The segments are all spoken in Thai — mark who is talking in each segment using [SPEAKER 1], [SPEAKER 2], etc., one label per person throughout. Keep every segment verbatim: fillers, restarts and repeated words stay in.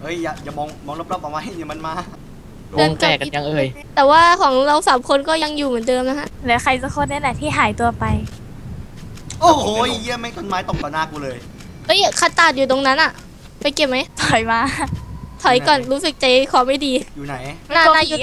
[SPEAKER 1] เฮ้ยอย่าอย่ามองมองรอบๆเอาไว้เดี๋ยวมันมาว
[SPEAKER 2] งแตกกันยังเอ่ย
[SPEAKER 3] แต่ว่าของเราสามคนก็ยังอยู่เหมือนเดิมนะฮะ
[SPEAKER 4] เหลือใครสักคนนี่แหละที่หายตัวไป
[SPEAKER 1] โอ้โหเยี่ยมไม่ต้นไม้ตกต่อหน้ากูเลย
[SPEAKER 3] เฮ้ยคาตาดอยู่ตรงนั้นอะไปเก็บไหม
[SPEAKER 4] ถอยมา
[SPEAKER 3] ถอยก่อนรู้สึกใจคอไม่ดี
[SPEAKER 1] อยู่ไหน
[SPEAKER 3] หน้าหน้าอยู่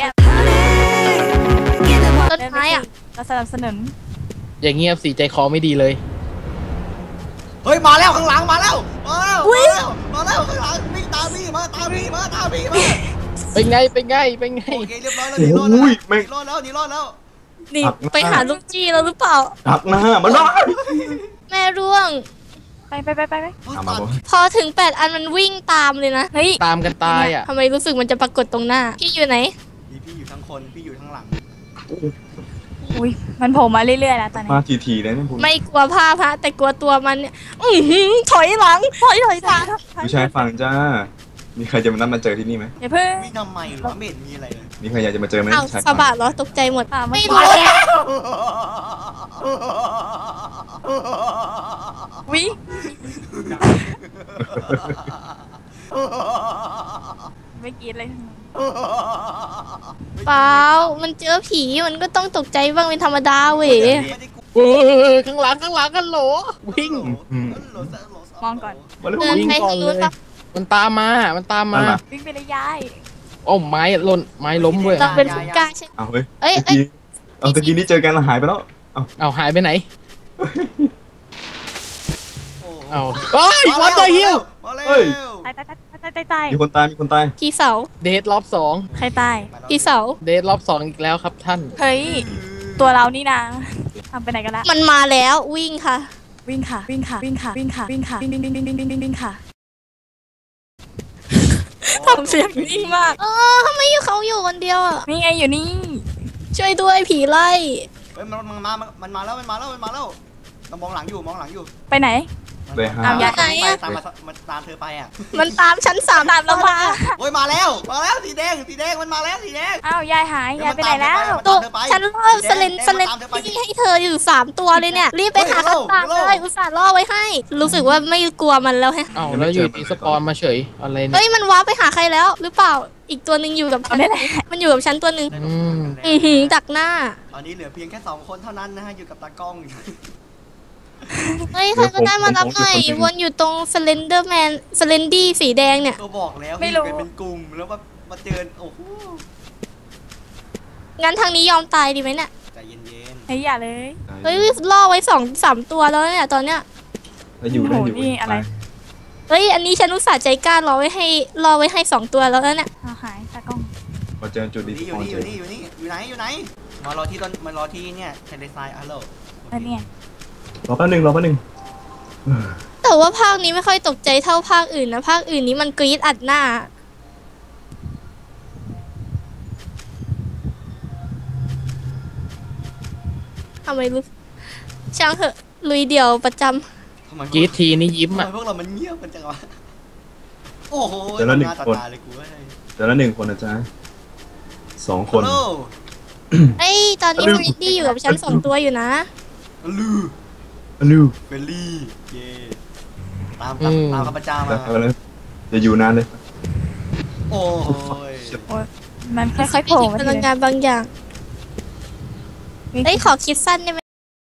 [SPEAKER 3] ต้นไม้อะ
[SPEAKER 4] เราสนับสนุน
[SPEAKER 2] อย่างเงียบสีใจคอไม่ดีเลย
[SPEAKER 1] เฮ้ยมาแล้วข้างหลังมาแล้วมาแล้วมาแล้วมาแล้วข้างหลังวิ่งตามพี่มาตามพี่มาตามพี่มา
[SPEAKER 2] เป็นไงเป็นไงเป็นไง
[SPEAKER 1] โอเคเรียบร้อยแล้วหนีรอดแล้วหนีรอดแล้วหนีรอดแล้ว
[SPEAKER 3] นี่ไปหาลูกจี้แล้วหรือเปล่า
[SPEAKER 5] ดักหน้ามันได้
[SPEAKER 3] แม่ร่วง
[SPEAKER 4] ไปไปไปไปไป
[SPEAKER 3] พอถึงแปดอันมันวิ่งตามเลยนะเฮ้ย
[SPEAKER 2] ตามกันตายอ่ะ
[SPEAKER 3] ทำไมรู้สึกมันจะปรากฏตรงหน้าพี่อยู่ไหน
[SPEAKER 1] พี่พี่อยู่ทั้งคนพี่อยู่ทั้งหลัง
[SPEAKER 4] อุ้ยมันโผล่มาเรื่อยๆแล้วตอนนี้
[SPEAKER 5] มาทีๆเลยนะคุณ
[SPEAKER 3] ไม่กลัวภาพฮะแต่กลัวตัวมันเนี่ยอือหือถอยหลังถอยถอยหลัง
[SPEAKER 5] ผู้ชายฝั่งจ้ามีใครจะมานัดมาเจอที่นี่ไหม
[SPEAKER 4] อย่าเพิ่ง
[SPEAKER 1] วิ่งทำไมหรอไม่เห็นมีอะไรเลย
[SPEAKER 5] มีใครอยากจะมาเจอไหม
[SPEAKER 3] อ้าวสะบัดเหรอตกใจหมดไม่รู้
[SPEAKER 4] วิไม่กินเลย
[SPEAKER 3] เปล่ามันเจอผีมันก็ต้องตกใจบ้างเป็นธรรมดาเว้ย
[SPEAKER 2] เออข้างหลังข้างหลังกันโหลวิ่ง
[SPEAKER 4] มองก่อน
[SPEAKER 3] เดินไปทางนู้นครับ
[SPEAKER 2] มันตามมามันตามมา
[SPEAKER 4] วิ่งไปเลยยาย
[SPEAKER 2] โอ้ไม้หล่นไม้ล้มด้วย
[SPEAKER 3] เราเป็นผู้กล้าใช่
[SPEAKER 5] เอาเฮ้ย
[SPEAKER 3] เอ้ย
[SPEAKER 5] เอาตะกี้นี้เจอกันแล้วหายไปแล้ว
[SPEAKER 2] เอาเอาหายไปไหนเอาเฮ้ยวันตัวฮิว
[SPEAKER 5] เฮ้ย
[SPEAKER 4] ตายตายตายตายตาย
[SPEAKER 5] มีคนตายมีคนตาย
[SPEAKER 3] พี่เสา
[SPEAKER 2] เดทรอบสอง
[SPEAKER 4] ใครตาย
[SPEAKER 3] พี่เสา
[SPEAKER 2] เดทรอบสองอีกแล้วครับท่าน
[SPEAKER 4] เฮ้ยตัวเรานี่นะทำไปไหนกันละ
[SPEAKER 3] มันมาแล้ววิ่งค่ะ
[SPEAKER 4] วิ่งค่ะวิ่งค่ะวิ่งค่ะวิ่งค่ะวิ่งค่ะวิ่งวิ่งวิ่งวิ่งวิ่งวิ่งวิ่งค่ะ
[SPEAKER 3] ทำเสียงนิ่งมากเออทำไมอยู่เขาอยู่คนเดียวอ่ะ
[SPEAKER 4] นี่ไงอยู่นี่
[SPEAKER 3] ช่วยด้วยผีไล่
[SPEAKER 1] เฮ้ยมันมันมามันมาแล้วมันมาแล้วมันมาแล้วเรามองหลังอยู่มองหลังอยู่
[SPEAKER 4] ไปไหน
[SPEAKER 5] เลยฮะ
[SPEAKER 3] ตามไหนอ่ะ
[SPEAKER 1] ตามมันตามเธอไปอ่ะ
[SPEAKER 3] มันตามชั้นสามตามเรามา
[SPEAKER 1] โอ้ยมาแล้วมาแล้วสีแดงสีแดงมันมาแล้วสีแดง
[SPEAKER 4] อ้าวยายหายยายไปไหนแล้ว
[SPEAKER 3] ตัวฉันล่อสเลนสเลนที่ให้เธออยู่สามตัวเลยเนี่ยรีบไปหาคำตอบเลยอุตส่าห์ล่อไว้ให้รู้สึกว่าไม่กลัวมันแล้วฮะ
[SPEAKER 2] อ้าวแล้วอยู่ดีสปอนมาเฉยอะไรเนี่ย
[SPEAKER 3] เฮ้ยมันว้าไปหาใครแล้วหรือเปล่าอีกตัวหนึ่งอยู่กับฉันมันอยู่กับฉันตัวหนึ่งอือหือดักหน้า
[SPEAKER 1] ตอนนี้เหลือเพียงแค่สองคนเท่านั้นนะฮะอยู่กับตากล้อง
[SPEAKER 3] เฮ้ยใครก็ได้มารับหน่อยวนอยู่ตรงสเลนเดอร์แมนสเลนดี้สีแดงเนี่ย
[SPEAKER 1] ก็บอกแล้วไม่รู้เป็นกลุ่มแล้วว่ามาเจอโอ้โห
[SPEAKER 3] งั้นทางนี้ยอมตายดีไหมเนี่ย
[SPEAKER 1] ใจเย็น
[SPEAKER 4] ๆเฮ้ยอย่าเลย
[SPEAKER 3] เฮ้ยล่อไว้สองสามตัวแล้วเนี่ยตอนเนี้ย
[SPEAKER 5] อยู่ได้อยู่
[SPEAKER 4] นี่อะไร
[SPEAKER 3] เฮ้ยอันนี้ฉันอุตส่าห์ใจกล้ารอไว้ให้รอไว้ให้สองตัวแล้วเนี่ย
[SPEAKER 4] หายตากล้อง
[SPEAKER 5] มาเจอจุดนี้
[SPEAKER 1] อยู่นี่อยู่นี่อยู่นี่อยู่ไหนอยู่ไหนมารอที่ต้นมารอที่เนี่ยเทเลไซน์ฮัลโหล
[SPEAKER 4] อันนี้
[SPEAKER 5] รอแป๊บนึงรอแป๊บนึง
[SPEAKER 3] แต่ว่าภาคนี้ไม่ค่อยตกใจเท่าภาคอื่นนะภาคอื่นนี้มันกรี๊ดอัดหน้าทำไมรู้ช่างเหอะลุยเดี่ยวประจ
[SPEAKER 2] ำกรี๊ดทีนี่ยิ้มอ่ะ
[SPEAKER 1] พวกเรามันเงียบกันจังวะโอ้โห
[SPEAKER 5] เดี๋ยวละหนึ่งคนเดี๋ยวละหนึ่งคนนะจ๊ะสองคน
[SPEAKER 3] ไอ้ตอนนี้ฟริดดี้อยู่กับฉันสองตัวอยู่นะ
[SPEAKER 1] ลู
[SPEAKER 5] ลู
[SPEAKER 1] เฟลลี่เย่ตามตามตามข้าพเจ้ามา
[SPEAKER 5] จะอยู่นานเลย
[SPEAKER 1] โอ้ย
[SPEAKER 4] มันค่อยๆโผล่
[SPEAKER 3] พลังงานบางอย่างเอ้ยขอคิดสั้นได้ไหม